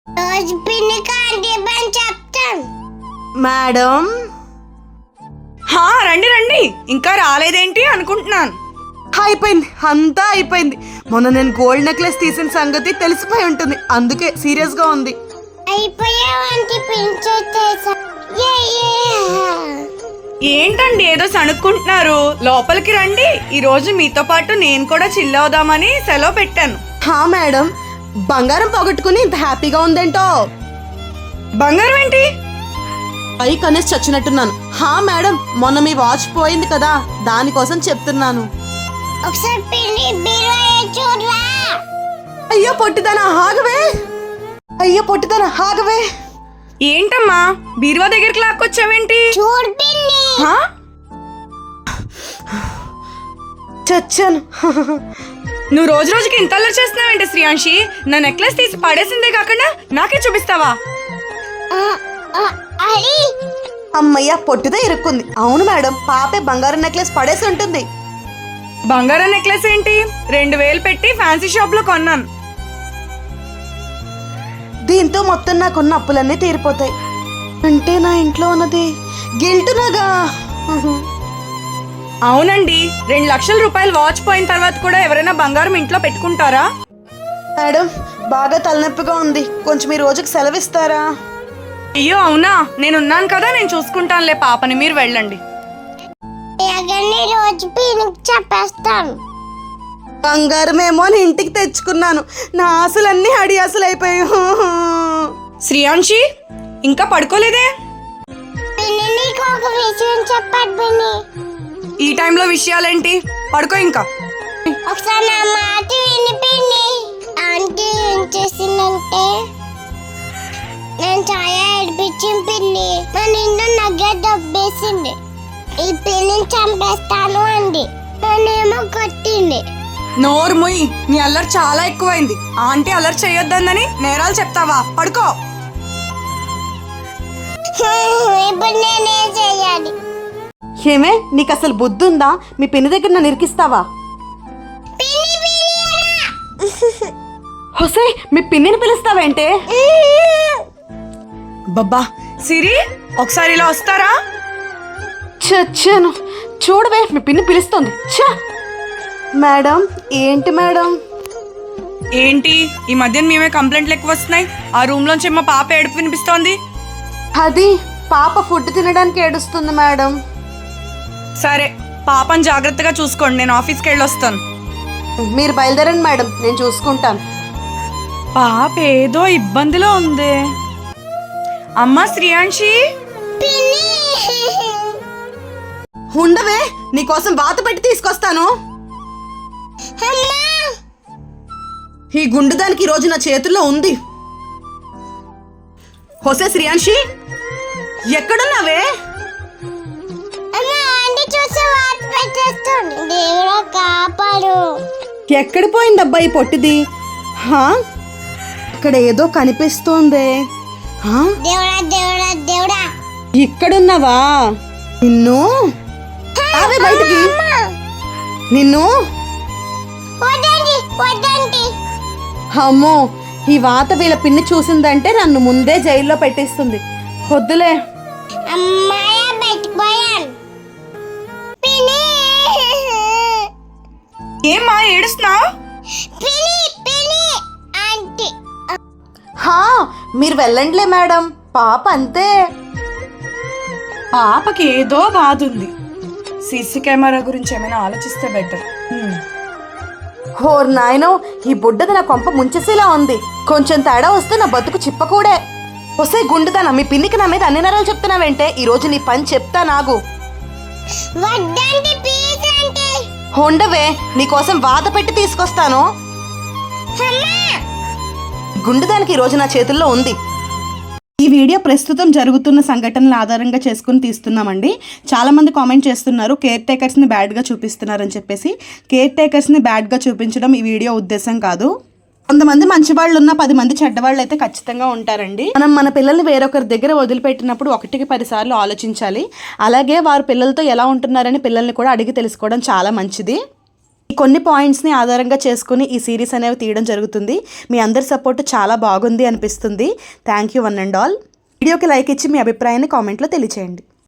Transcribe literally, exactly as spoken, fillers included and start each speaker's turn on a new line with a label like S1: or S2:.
S1: రోజు పిన్ని కాంటీ పని చెప్తాను.
S2: మేడం
S3: హా రండి రండి, ఇంకా రాలేదేంటి అనుకుంటున్నాను.
S2: అయిపోయింది, అంతా అయిపోయింది. మొన్న నేను గోల్డ్ నెక్లెస్ తీసిన సంగతి తెలిసిపోయి ఉంటుంది, అందుకే సీరియస్ గా ఉంది.
S1: అయిపోయావంటి పించేసా.
S3: ఏంటండి ఏదో సణుక్కుంటున్నారు, లోపలికి రండి. ఈ రోజు మీతో పాటు నేను కూడా చిల్ అవుదామని సెలవు పెట్టాను.
S2: హా మేడం, బంగారం పోగొట్టుకుని ఇంత హ్యాపీగా ఉందేంటో.
S3: బంగారం ఏంటి?
S2: పై కనేసి చచ్చినట్టున్నాను. హా మేడం, మొన్న మీ వాచ్ పోయింది కదా, దానికోసం చెప్తున్నాను.
S1: ఒకసారి పిన్ని బీరువా చూడరా.
S2: అయ్యో పొట్టిదనా ఆగవే, అయ్యో పొట్టిదనా ఆగవే.
S3: ఏంటమ్మా బీరువా దగ్గరికి లాక్కొచ్చావేంటి?
S1: చూడు పిన్ని.
S3: హా?
S2: చచ్చాను.
S3: నువ్వు రోజు రోజుకి ఇంత అల్లరి చేస్తున్నావేంటి శ్రీయాంశి? నా నెక్లెస్ తీసి పడేసిందే కాకుండా నాకే చూపిస్తావా?
S1: ఆ, ఆ, అది
S2: అమ్మయ్య, పొట్టిదే ఇరుక్కుంది. అవును మేడం, పాపే బంగారం నెక్లెస్ పడేసి ఉంటుంది.
S3: బంగారం నెక్లెస్ ఏంటి? రెండు వేలు పెట్టి ఫ్యాన్సీ షాప్ లో కొన్నాను.
S2: దీంతో మొత్తం నాకున్న అప్పులన్నీ తీరిపోతాయి. అంటే నా ఇంట్లో ఉన్నది గిల్టునగా.
S3: అవునండి, రెండు లక్షల రూపాయలు వాచ్ పోయిన తర్వాత కూడా ఎవరైనా బంగారం ఇంట్లో పెట్టుకుంటారా?
S2: మేడం, బాగా తలనొప్పిగా ఉంది, కొంచెం ఈ రోజుకి సెలవిస్తారా?
S3: అయ్యో అవునా, నేనున్నాను కదా, నేను చూసుకుంటానులే పాపని, మీరు వెళ్ళండి.
S1: ఎగన్ని రోజు పిన్నికి చెప్పేస్తాను.
S2: బంగారం ఏమో అని ఇంటికి తెచ్చుకున్నాను, నా ఆశలన్నీ అడి ఆశలు అయిపోయాయి.
S3: శ్రీయాంశి ఇంకా పడుకోలేదే?
S1: పిన్ని నీకు ఒక విషయం చెప్పాడు పిన్ని.
S3: ఈ టైంలో విషయాలేంటి? పడుకో ఇంకా.
S1: ఒకసారి నా మాట విని పిన్ని. ఆంటీ ఏం చేసిందంటే నేను చాలా ఏడిపించింది పిన్ని. నా నిండు నగ్గ దబ్బేసింది. ఈ పిల్లిని చంపేస్తాను అంది, నన్నేమో కొట్టింది.
S3: నోరు ముయ్, నీ అల్లరి చాలా ఎక్కువైంది. ఆంటీ అల్లరి చేయొద్దని నేరాలు చెప్తావా? పడుకో.
S1: ఇప్పుడు నేనేం చెయ్యాలి?
S2: ఏమే, నీకు అసలు బుద్ధి ఉందా? మీ పిన్ని దగ్గర నన్ను ఇరికిస్తావా?
S1: పిన్ని పిన్ని
S2: హొసే, మీ పిన్నిని పిలుస్తావేంటే?
S3: బబ్బా సిరి, ఒకసారి ఇలా వస్తారా?
S2: చచ్చాను. చూడవే, మీ పిన్ని పిలుస్తుంది. ఛ! మేడం, ఏంటి మేడం?
S3: ఏంటి ఈ మధ్యన మేమే కంప్లైంట్లు ఎక్కువ వస్తున్నాయి. ఆ రూమ్ లోంచి మా పాప ఏడుపు వినిపిస్తోంది.
S2: అది పాప ఫుడ్ తినడానికి ఏడుస్తుంది మేడం.
S3: సరే, పాపని జాగ్రత్తగా చూసుకోండి, నేను ఆఫీస్కి వెళ్ళొస్తాను.
S2: మీరు బయలుదేరండి మేడం, నేను చూసుకుంటాను.
S3: పాప ఏదో ఇబ్బందిలో ఉంది. అమ్మా శ్రీయాంశి.
S1: పిన్ని
S2: ఉండవే, నీకోసం వాత పెట్టి తీసుకొస్తాను.
S1: అమ్మా
S2: ఈ గుండుదానికి ఈ రోజు నా చేతుల్లో ఉంది. హొసే శ్రీయాంశి, ఎక్కడున్నావే?
S1: అమ్మా ఆంటీ చూసి వాత పెట్టేస్తుంది. దేవుడా కాపాడు.
S2: ఎక్కడ పోయిందబ్బా ఈ పొట్టిది? హా, ఇక్కడ ఏదో కనిపిస్తోందే. హా,
S1: దేవుడా దేవుడా దేవుడా.
S2: ఇక్కడున్నావా? నిన్ను ఆవే బయటికి, నిన్ను.
S1: వద్దండి వద్దండి.
S2: అమ్మో, ఈ వాత వీళ్ళ పిన్ని చూసిందంటే నన్ను ముందే జైల్లో పెట్టేస్తుంది. వద్దులే.
S1: అమ్మాయ బయటపోయాను. పిన్ని
S3: ఏమ్మా ఏడుస్తున్నావు?
S1: పిన్ని పిన్ని ఆంటీ.
S2: హా, మీరు వెళ్ళండిలే మేడం, పాప అంతే.
S3: పాపకి ఏదో బాధ ఉంది. సీసీ కెమెరా గురించి ఏమైనా ఆలోచిస్తే బెటర్.
S2: హోర్ నాయనో, ఈ బుడ్డది నా కొంప ముంచేసేలా ఉంది. కొంచెం తేడా వస్తే నా బతుకు చిప్పకూడే. వస్తే గుండుదానా, మీ పిన్నికి నా మీద అన్ని నరాలు చెప్తున్నావేంటే? ఈ రోజు నీ పని చెప్తా నాగు.
S1: వద్దండి ప్లీజ్ ఆంటీ.
S2: ఉండవే, నీకోసం వాత పెట్టి తీసుకొస్తాను.
S1: అమ్మా
S2: గుండుదానికి ఈ రోజు నా చేతుల్లో ఉంది. ఈ వీడియో ప్రస్తుతం జరుగుతున్న సంఘటనల ఆధారంగా చేసుకుని తీస్తున్నామండి. చాలామంది కామెంట్ చేస్తున్నారు కేర్ టేకర్స్ని బ్యాడ్గా చూపిస్తున్నారని చెప్పేసి. కేర్ టేకర్స్ని బ్యాడ్గా చూపించడం ఈ వీడియో ఉద్దేశం కాదు. కొంతమంది మంచి వాళ్ళు ఉన్న పది మంది చెడ్డవాళ్ళు అయితే ఖచ్చితంగా ఉంటారండి. మనం మన పిల్లల్ని వేరొకరి దగ్గర వదిలిపెట్టినప్పుడు ఒకటికి పది సార్లు ఆలోచించాలి. అలాగే వారు పిల్లలతో ఎలా ఉంటున్నారని పిల్లల్ని కూడా అడిగి తెలుసుకోవడం చాలా మంచిది. ఈ కొన్ని పాయింట్స్ని ఆధారంగా చేసుకుని ఈ సిరీస్ అనేవి తీయడం జరుగుతుంది. మీ అందరి సపోర్ట్ చాలా బాగుంది అనిపిస్తుంది. Thank you one and all. వీడియోకి లైక్ ఇచ్చి మీ అభిప్రాయాన్ని కామెంట్లో తెలియచేయండి.